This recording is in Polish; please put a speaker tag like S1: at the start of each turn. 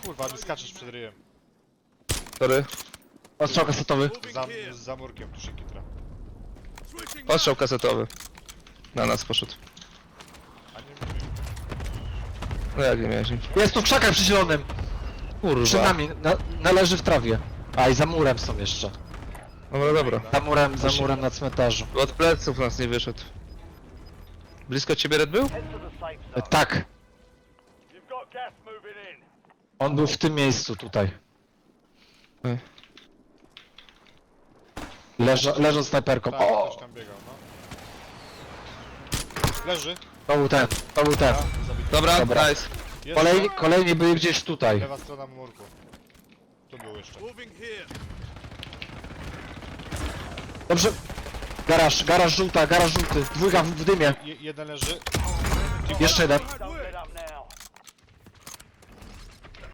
S1: Kurwa, mi skaczesz przed ryjem.
S2: Sorry.
S3: Ostrzał kasetowy.
S1: Za murkiem tu się kitra.
S2: Ostrzał kasetowy. Na nas poszedł.
S1: A nie mówię.
S2: No jak nie miałeś?
S3: Jest tu w krzakach przy zielonym.
S2: Kurwa.
S3: Przy nami, należy w trawie. A i za murem są jeszcze.
S2: Dobra, dobra.
S3: Za murem na cmentarzu.
S2: Od pleców nas nie wyszedł. Blisko ciebie Red był?
S3: Tak. On był w tym miejscu tutaj. Leżą snajperką.
S1: Tak,
S3: O!
S1: ktoś tam biegał, no. Leży.
S3: To był ten.
S1: Zabity.
S2: Dobra,
S3: Dobra.
S2: nice.
S1: Jest
S3: Kolejni byli gdzieś tutaj.
S1: lewa strona murku. Tu był jeszcze.
S3: Dobrze. Garaż żółty. Dwójka w dymie.
S1: Jeden leży.
S3: Jeszcze jeden.